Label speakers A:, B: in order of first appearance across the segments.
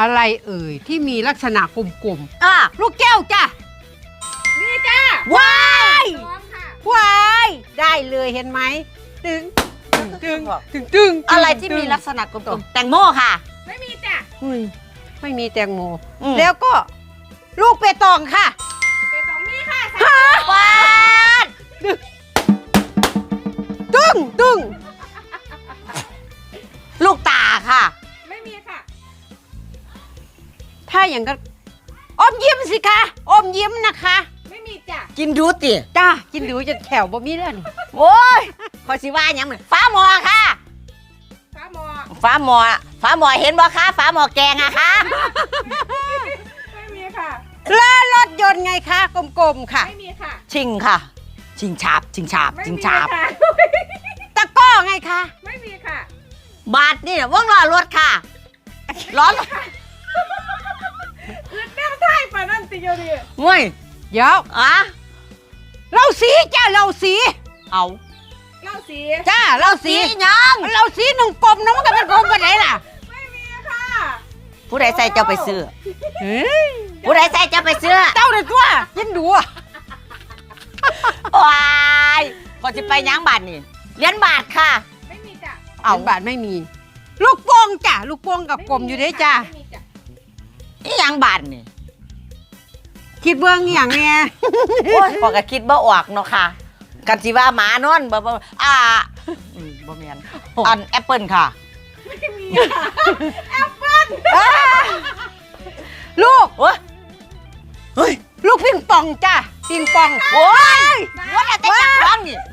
A: อะไรเอ่ยที่มีลักษณะกลม
B: ลูกแก้วจ้ะ
C: นี่จ้า
B: ว้าย
C: พร้อมค่ะ
A: ว้ายได้เลยเห็นไหมตึงตึง
B: อะไรที่มีลักษณะกลมๆแตงโมค่ะ
C: ไม่มีจ้ะ
A: อุ้ยไม่มีแตงโม
B: แล้
A: แล้ว วก็ลูกเปตองค่ะ
C: เปตองนี่ค่ะ
B: วาน
A: ตึ้ง
B: ลูกตาค่ะ
C: ไม่มีค่ะ
A: ถ้าอย่างก็อมยิ้มสิคะอมยิ้มนะคะ
C: ไม่มีจ้ะ
B: กินดูติ
A: จ้ากินดูจะแถวบ่มีเรื่องนี่
B: โอ้ยขอสิว่าหยังเหมือนฟ้าหมอค่ะ
C: ฟ้าหมอ
B: ฟ้าหมอเห็นบ่คะฟ้าหมอแกงอะคะ
C: ไม่มีค่ะ
A: แล้วรถยนต์ไงคะกลมๆค่ะ
C: ไม่มีค่ะ
B: ชิงค่ะ ชิงฉาบ
C: ไม่
B: ชิง
C: มี
B: ฉาบ
C: ค่ะ
A: ตะก้อไงคะ
C: ไม่มีค่ะ
B: บาทนี่ว่องล้อรถค่ะล้อรถ
C: อึดแนวไท่ปะนั่นติโยดี
B: เว้ย
A: เดี๋ยว
B: อะ
A: เราสีจ้าเราสี
B: เอา
C: เล่าสี
A: จ้าเราสี
B: ยัง
A: เราสีหนึ่งกลมนะมันก็เป็นกลมไปไหนล่ะ
C: ไม่มีค่ะ
B: ผู้ใดใส่เจ้าไปซื้อ
A: เฮ้ย
B: ผู้ใดใส่เจ้าไปซื้อ
A: เจ้าเลยตัวยินดูอะ
B: ว้ายพอจะไปยังบาทนี่เหรียญบาทค่ะ
C: ไม่มีจ้ะ
A: เอาบาทไม่มี ลูกโป่งจ้ะลูกโป่งกับกลมอยู่เด้จ้า
C: ไม่มีจ้ะ
B: นี่ยังบาทนี่
A: คิดเบื้องอหย่างเนี้ย
B: โอ้ยพอก็คิดบ่ออกเนาะค่ะ กันสิว่าหมานอนบ่บ่แม่นอันแอปเปิลค่ะ
C: ไม่มีค่ะ
A: ลูก
B: โอ้ยเฮ้ย
A: ลูกปิงปองจ้ะปิงปอง
B: โอ้ยว่าแต่จับท้องนี่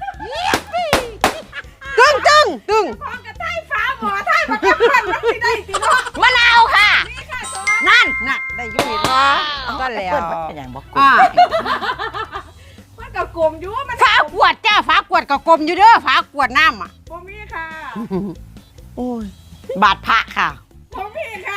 A: ตึ้ง
C: พร้อมกับไท่ฟ้าหมอไท่มาแก้ปันมันสิได้สิเนาะ
B: มะนาวค่ะ
C: นี่ค่ะสอง
B: นั่น
A: น่ะได้อยุ่งเนาะก็แล้ว
B: แอปเปิ้มันเป็นอย่างบอกกู
A: อ่า
C: มันกับกลมอยู่มัน
A: ฝาขวดจ้าฝาขวดกับกลมอยู่เด้อฝาขวดน้ำอ่ะ
C: ผมมีค่ะ
B: โอ้ยบาทพระค่ะ
C: ผมมีค่ะ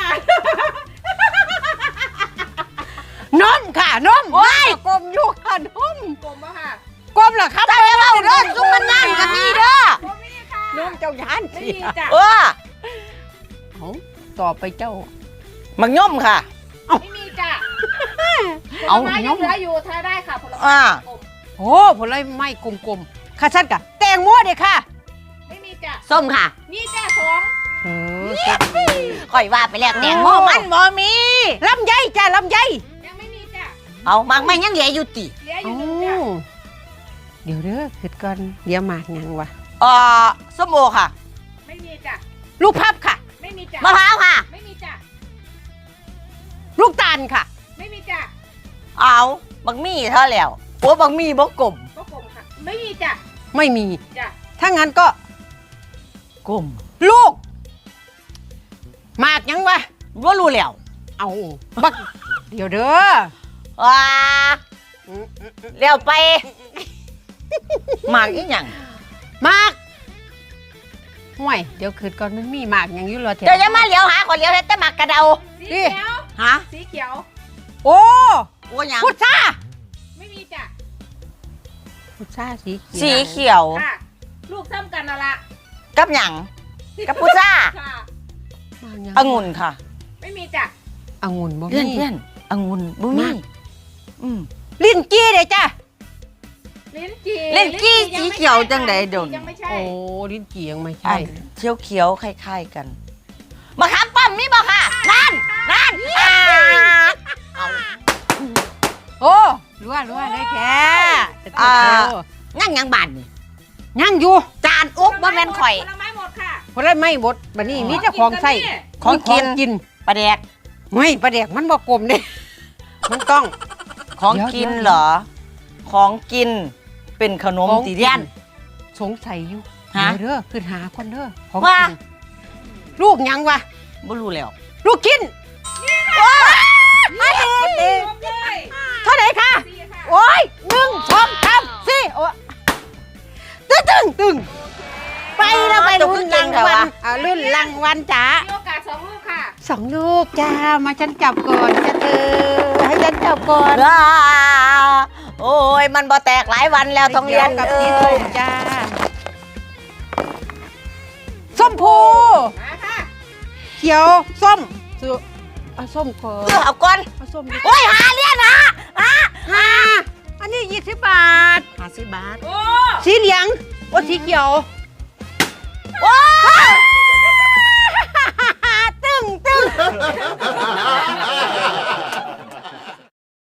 A: นมค่ะนม
B: โอ้ย
A: กลมอยู่ค่ะนม
C: กลมปะค่ะ
A: กลมเหรอครับ
B: เจ้าจะเล่าเด้อซุ่มมันนั่นก็มีเด้อ
C: ผมมีค่ะ
A: นมเจ้ายาน
C: ไม่
A: สิ
C: มีจ้ะ
B: เออ
A: เอาต่อไปเจ้า
B: มังย่อมค่ะ
C: ไม่มีจ้ะ
A: เอา
C: ผลไม้
A: น
C: ยัง
A: ม
C: เหลืออยู่ทายได้ค่ะผลไม้
B: อ่า
C: กลม
A: โอ้ผลไม้กลมๆค่ะชัดกะแตงโมเด้อค่ะ
C: ไม่มีจ้ะ
B: ส้มค่ะ
C: มีจ้ะสอง
A: เออ
B: ค่อยว่าไปแล้วแตงโมมันบ่มี
A: ลำไยจ้าลำไย
C: ยังไม่มีจ้ะ
B: เอามังไม่ยังเหลืออยู่ติ
C: เหลืออ
A: เอ้า
C: ยู่หนึ่งจ้ะ
A: เดี๋ยวเด้อคิดก่อนเดี๋ยวมากยังวะ
B: ส้มโอค่ะ
C: ไม่มีจ้ะ
A: ลูกพับค่ะ
C: ไม่มีจ้ะ
B: มะพร้าวค่ะ
C: ไม่มีจ้ะ
A: ลูกตาลค่ะ
C: ไม่มีจ้ะ
B: เอาบักมี่เท่าแล้วโอ้บักมี่บ่กลม
C: ก็กลมค่ะ ไม่มีจ้ะ
A: ไม่มี
C: จ้ะ
A: ถ้างั้นก็
B: กลม
A: ลูกมากยังวะ
B: ว่ารู้แล้ว
A: เอาบักเดี๋ยวเด้อ
B: ว้าเลี้ยวไปหมากอีหยัง
A: มากห่วยเดี๋ยวคืนก่อนมันมีมากยังอยู่รอแถว
B: เดี๋ยวจะมาเลี้ยวหาคนเลี้ยวเฮ็ดแต่หมากกระเดา
C: สีเขียว
B: ฮะ
C: สีเขียว
A: โอ้
B: โอ้หยัง
A: พุทรา
C: ไม่มีจ้ะ
A: พุทราสีเขียว
B: สีเขียว
C: ค่ะ ลูกซ้ำกันน่ะละ
B: กับหยังกับพุซ่า
C: ค่ะ
A: มากยัง
B: องุ่นค่ะ
C: ไม่มีจ้ะ
A: องุ่นบ่
B: เพื่อน
A: มี
B: เพื่อนองุ่นบุมีอืม
A: ลิ้นจี้เด้จ้ะ
C: ลิ้นจี่
B: ลิ้นจี้
C: ยังไม่
B: สีเขียว
C: ใช่
B: จังใด
C: ค่ะ
B: เดี๋ยวนี้
C: ยังไม่ใช่
A: โอ้ลิ้นจี้ยังไม่
B: ใช่
A: ใช่
B: เขียวเขียวๆคล้ายๆกันมะขามป้อมมีบ่ค่ะนั่นเอา
A: โอ้รัวเลยแท้จะต้องเร็ว
B: งั้นยังบานนี่
A: ยังอยู่
B: จานอุ๊บบ่แม่นข่อย
C: ผลไม้หมดค่ะ
A: เพราะได้ไม่หมดบัดนี้มีแต่ของใส่
B: ของกิน
A: กิน
B: ปลาแดก
A: ไม่ปลาแดกมันบ่กลมเด้ มันต้อง
B: ของ
A: เดี๋ยว
B: กิน
A: เดี๋ยว
B: เหรอ ของกินเป็นขนม
A: ของ
B: ตีเดียน
A: สงสัยอยู่
B: ฮะ
A: เดี๋ยวเด้อคือหาคนเด้อของ
B: ว่า
A: กินลูกยังวะ
B: บ่รู้แล้ว
A: ลูกกิน
C: รวมเลย
A: เท่าไหร่คะ
C: สี่ค่ะ
A: โอ้ย1 2 3 4โอ้ตึงไปแล้วไปรุ่นรางวัลรุ่นรางวัลจ้า
C: มีโอกาสสองลูกค่ะ
A: 2 ลูกจ้ามาฉันจับก่อนจะเธอให้ฉันจับก่อน
B: โอ้ยมันบ่แตกหลายวันแล้วท้องเรียน
A: กับ
B: เอ้
A: สีส้
B: ย
A: มจ้าส้มพู
C: มาค่ะ
A: เขียวส้มสุเอาส้มก่อน
B: เอาก่อน
A: เอาส้ม
B: โอ้ยหาเรียนหา
A: อันนี้20 บาท
B: 50 บาท
C: โอ้
A: สีเหลืองโอ้สีเขียว
B: โอ้ย